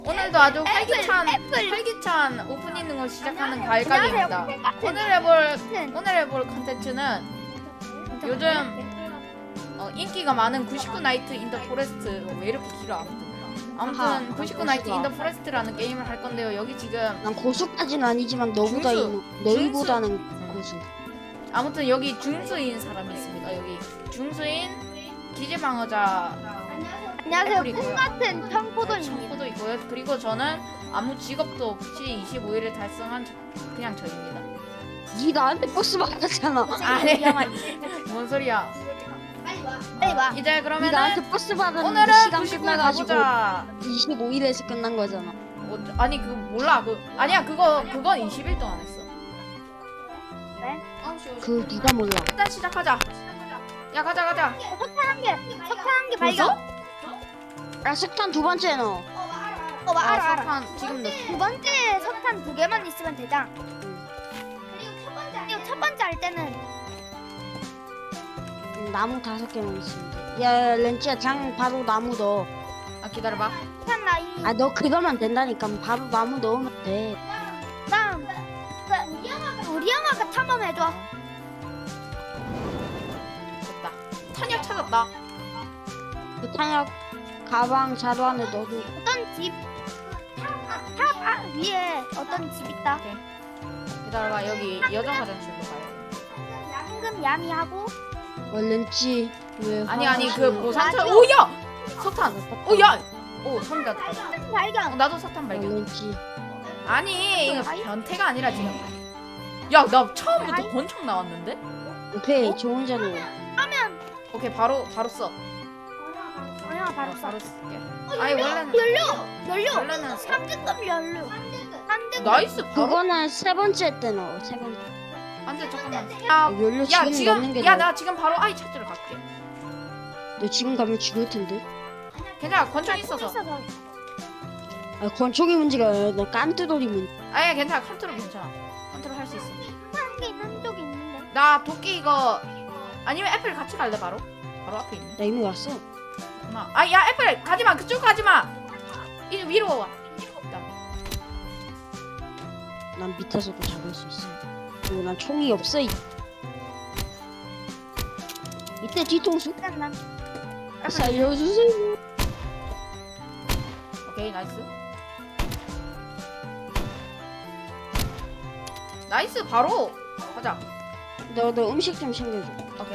오늘도 아주 활기찬 오프닝을 시작하는 가일가게입니다. 오늘 해볼 컨텐츠는 요즘 인기가 많은 99 나이트 인 더 포레스트. 왜 이렇게 길어? 아무튼 99 나이트 인 더 포레스트라는 게임을 할 건데요. 여기 지금 난 고수까지는 아니지만 너희보다는 고수. 아무튼 여기 중수인 사람이 있습니다. 여기 중수인 기재방어자 안녕하세요. 애플이고요. 꿈 같은 청포도입니다. 청포도 있고요. 그리고 저는 아무 직업도 없이 25일을 달성한 그냥 저입니다. 니 나한테 버스 받았잖아. 아니 뭔 소리야? 빨리 와. 이제 니 그러면은 나한테 버스 받았는데 오늘은 시간 99 끝나가지고 가보자. 25일에서 끝난 거잖아. 아니 그거 몰라. 아니야 그건 20일 동안 했어. 네? 그 누가 몰라. 일단 시작하자. 야 가자. 석탄 한 개 벌써? 발견. 야 석탄 두 번째 넣어. 알아. 석탄 지금 넣. 두 번째 석탄 두 개만 있으면 되자. 그리고 첫 번째 할 때는 나무 5개만 있으면 돼. 야 렌치야 장 바로 나무 넣어. 아 기다려봐. 석탄 나이. 아 너 그러면 된다니까. 바로 나무 넣으면 돼. 다음 우리 형아가 탐험해줘. 됐다. 탄약 찾았다. 그 탄약 가방 자루 안에 넣어도. 어떤 집? 탑 위에 어떤 집 있다. 기다려봐. 여기 여자 화장실로 가요. 황금 야미하고 렌치 왜? 아니 그 보산차. 오야 석탄. 오야. 오 성가. 석탄 발견. 나도 석탄 발견. 렌치. 아니 이거 변태가 아니라 지금. 야 나 처음부터 권총 나왔는데? 오케이 좋은 자료. 하면 오케이 바로 써. 형아 바로 써. 바로 쓸게. 아니 원래는 연료 3등급 연료. 3등급. 나이스 바로. 그거는 세 번째 때 넣어. 세 번째. 안돼 잠깐만. 연료 야 지금 넣는 게 지금 나아. 나 지금 바로 아이 찾으러 갈게. 너 지금 가면 죽을 텐데. 괜찮아 권총 있어서. 아 권총이 문제가 아니라 너 깐뜨돌이 문제. 아니 괜찮아 컨트롤 괜찮아. 컨트롤 할 수 있어. 한개 있는 쪽이 있는데. 나 도끼 이거 아니면 애플 같이 갈래 바로? 바로 앞에 있네. 나 이미 왔어. 아야 애플 가지마 그쪽 가지마. 이 위로 와. 난 밑에서도 잡을 수 있어. 그리고 난 총이 없어. 이때 뒤통수 일단 난 살려주세요. 오케이 나이스. 나이스 바로 가자. 너 음식 좀 챙겨줘. 오케이.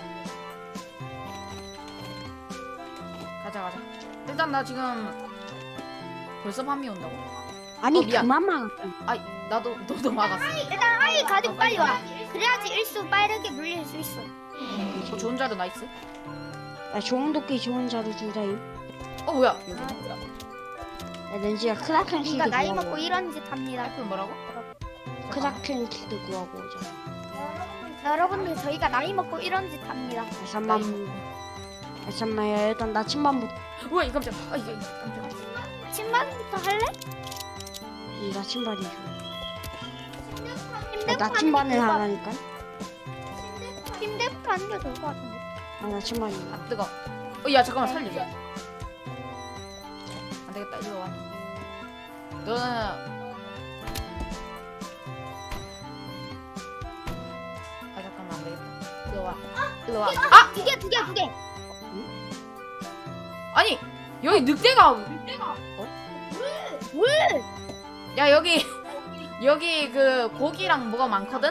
가자. 일단 나 지금 벌써 밤이 온다고. 아니 미안. 그만 막아. 아이 너도 막았어. 일단 아이 가지고 빨리 와. 그래야지 일수 빠르게 물릴 수 있어. 좋은 자료 나이스. 야 좋은 도끼 좋은 자루 주다임. 뭐야? 야 렌지야 크라켄 네가 키드 나이 먹고 구하고. 이런 짓 합니다. 애플 뭐라고? 크라켄 키드 구하고 오자. 여러분들 저희가 나이 먹고 이런 짓 합니다. 잠깐만 야 일단 나침반부터. 뭐야 이 깜짝. 이게 깜짝. 침반부터 할래? 나침반이 좋아. 침대부터 나침반을 하라니까. 침대부터 하는 게 좋을 것 같은데. 나침반이. 아 뜨거. 야 잠깐만 살려줘. 안 되겠다 이리 와. 너는 잠깐만 안 되겠다. 이리 와. 이리 와. 두 개. 아니 여기 늑대가. 물. 야 여기 그 고기랑 뭐가 많거든.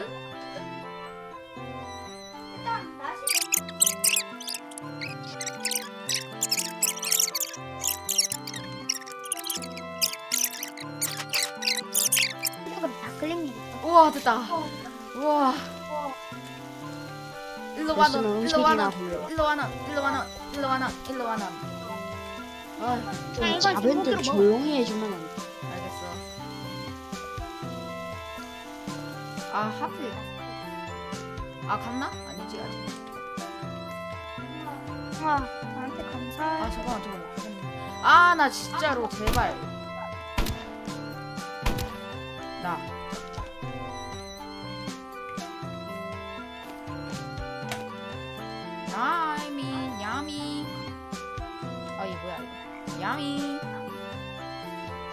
조금 다 클릭. 우와 됐다. 우와. 일로 와 너. 일로 와 음식이나 너. 볼래. 일로 와 너. 아 좀 이걸 자벤들 제목으로 조용히 해주면 안 돼. 알겠어. 아 하필. 아 갔나? 아니지 아직. 와, 나한테 감사. 아 잠깐만 저거 못 하겠네. 아 나 진짜로 제발. 나. 야미. 아 이게 뭐야 이거. 야미.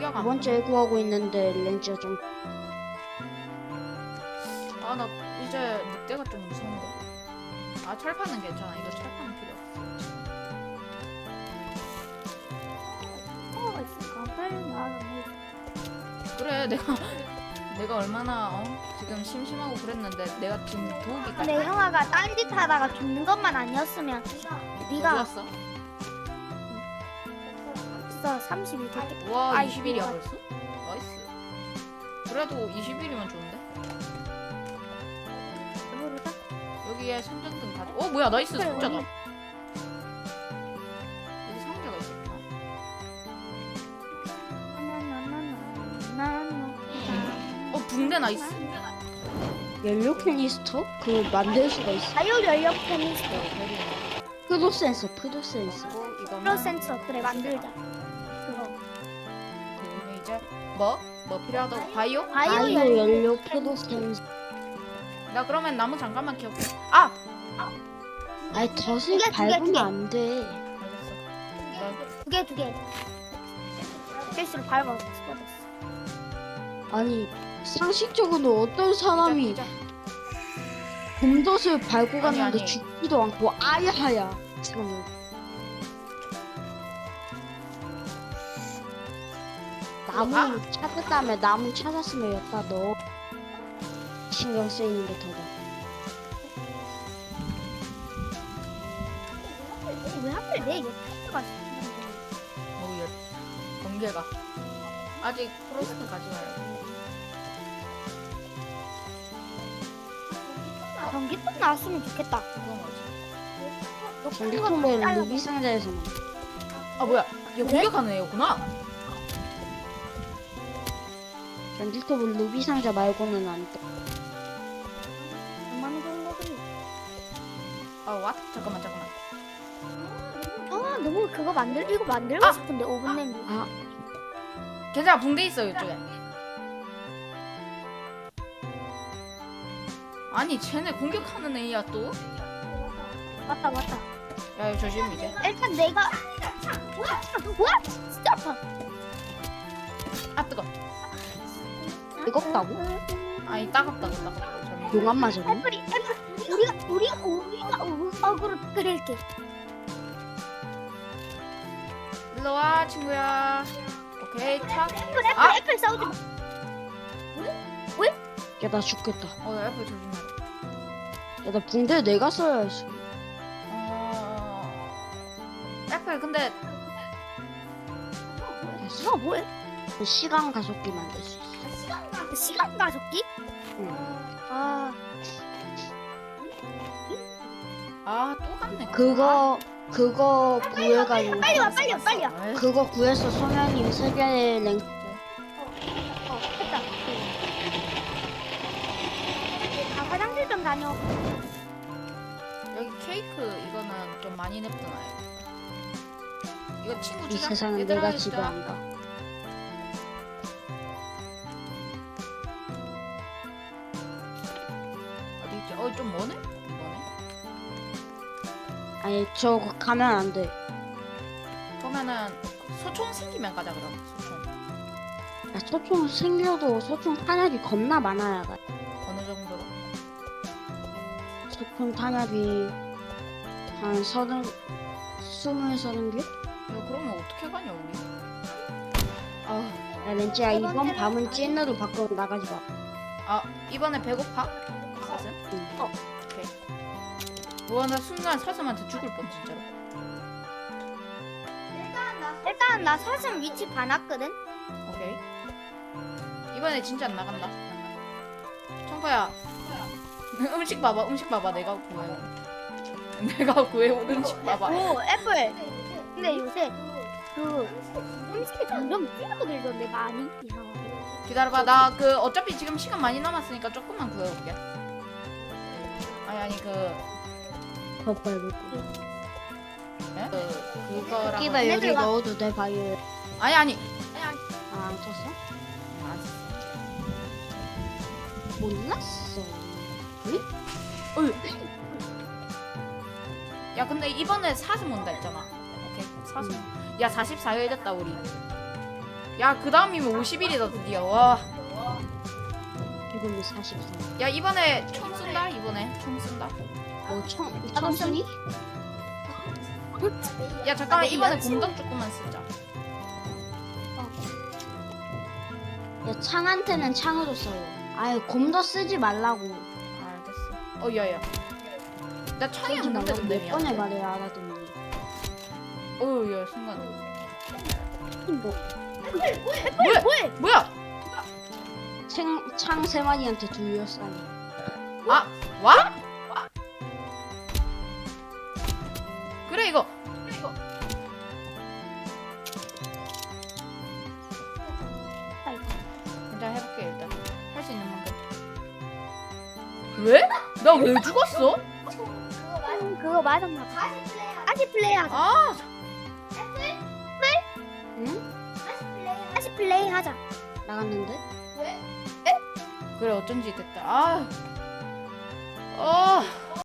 추가가 두 번째 구하고 있는데 렌즈가 좀 아나 이제 늑대가 좀 무서운데. 아 철판은 괜찮아. 이거 철판은 필요 없어. 있을까? 빨리 나가네. 그래 내가 얼마나 지금 심심하고 그랬는데 내가 지금 도우기까지 근데 형아가 딴짓 하다가 죽는 것만 아니었으면 네가 어디였어? 진짜 30일 됐겠다. 와 아이고. 20일이야 벌써? 나이스. 그래도 20일이면 좋은데? 모르다. 여기에 손전등 가져. 뭐야 나이스 그래, 상자다. 언니. 여기 상자가 있었구나. 붕대 나이스. 연료 캐니스터? 그거 만들 수가 있어. 자유 연력 페미스트 프로 센서. 이거는 플러 센서 그래 만들자. 그거 그다음에 이제 뭐 필요하다고? 바이오? 바이오 바이오 연료 연료 프로 센서. 나 그러면 나무 잠깐만 키울게. 아니 덫을 두 개. 밟으면 안 돼. 알겠어. 두 개. 실수로 밟아서 죽어졌어. 아니 상식적으로 어떤 사람이 자, 곰덫을 밟고 아니, 갔는데 아니. 죽지도 않고 아야하야. 잠깐만. 나무 찾은 다음에 나무 찾았으면 여기다 넣어. 신경 쓰이는 게 더다. 왜 하필 내 옆에가 오예. 번개가 아직 프로스트 가지 마요. 전기톱 나왔으면 좋겠다. 그건 뭐지? 전기톱은 루비 상자에서만. 뭐야? 얘 공격하는 애였구나. 전기톱은 루비 상자 말고는 안 떠. 얼마나 좋은 거지? 와 잠깐만. 너무 그거 이거 만들고 아! 싶은데 오븐 냄비. 괜찮아 붕대 있어 이쪽에. 아니 쟤네 공격하는 애야 또? 맞다. 야 이거 조심 이제. 일단 내가 와 진짜 아파. 뜨거. 뜨겁다고? 아니 따갑다고. 잘못. 용암 맞았네. 애플이 우리가 어그로 끓일게. 일로 와 친구야. 오케이 탁. 애플 싸우지 마. 야 나 죽겠다. 나 애플 조심해. 야 나 붕대 내가 써야지. 애플 근데 너 뭐해? 시간 가속기 만들 수 있어. 시간 가속기? 응. 또 갔네. 그거 구해가지고. 빨리 와. 그거 구해서 소녀님 세계 랭. 됐다. 화장실 좀 다녀. 여기 케이크 이거는 좀 많이 냅두나요? 이거 친구 이 주자. 세상은 얘들아, 내가 주자. 지배한다. 어디 있지? 좀 머네? 이거네. 아니 저 가면 안 돼. 그러면은 소총 생기면 가자 그럼. 소총 야 소총 생겨도 소총 탄약이 겁나 많아야 가. 어느 정도로? 소총 탄약이 한 30개? 이거 그러면 어떻게 가냐 우리? 야 렌지야 이번 밤은 찐으로 밖으로 나가지 마. 이번에 배고파? 사슴? 응. 오케이. 나 순간 사슴한테 죽을 뻔 진짜로. 일단 나 사슴 위치 봐놨거든. 오케이. 이번에 진짜 안 나간다. 청파야. 음식 봐봐. 내가 구해온 음식 봐봐. 오 애플. 근데 요새 그 음식이 점점 줄어들던데 많이 이상하게. 기다려봐. 나 어차피 지금 시간 많이 남았으니까 조금만 구해올게. 아니 더 빨리. 그거랑 끼바 여기 얘들아. 넣어도 돼 바이오. 아니 안 쳤어? 안 썼어. 몰랐어. 야 근데 이번에 사슴 온다 했잖아. 오케이 사슴. 야 44일 됐다 우리. 야, 그 다음이면 50일이다 드디어. 와. 지금은 44. 야, 이번에 총 쏜다. 이번에 총 쏜다. 청순이? 야, 잠깐만. 이번에 공덕 조금만 쓰자. 야, 창한테는 창으로 써요. 아유, 곰도 쓰지 말라고. 알겠어. 야야. 나 창이 쓰지 없는데 말라고 근데 몇 번을 미안해. 말해야 알아듣니. 야, 순간. 뭐, 뭐야? 창 3마리한테 둘러싸니. 아, 와? 그래 이거. 일단 해볼게 일단. 할 수 있는 만큼. 왜? 나 왜 죽었어? 그거 맞았나 봐. 다시 플레이하자. 아, 응? 다시 플레이하자. 나갔는데? 그래 어쩐지 됐다. 아,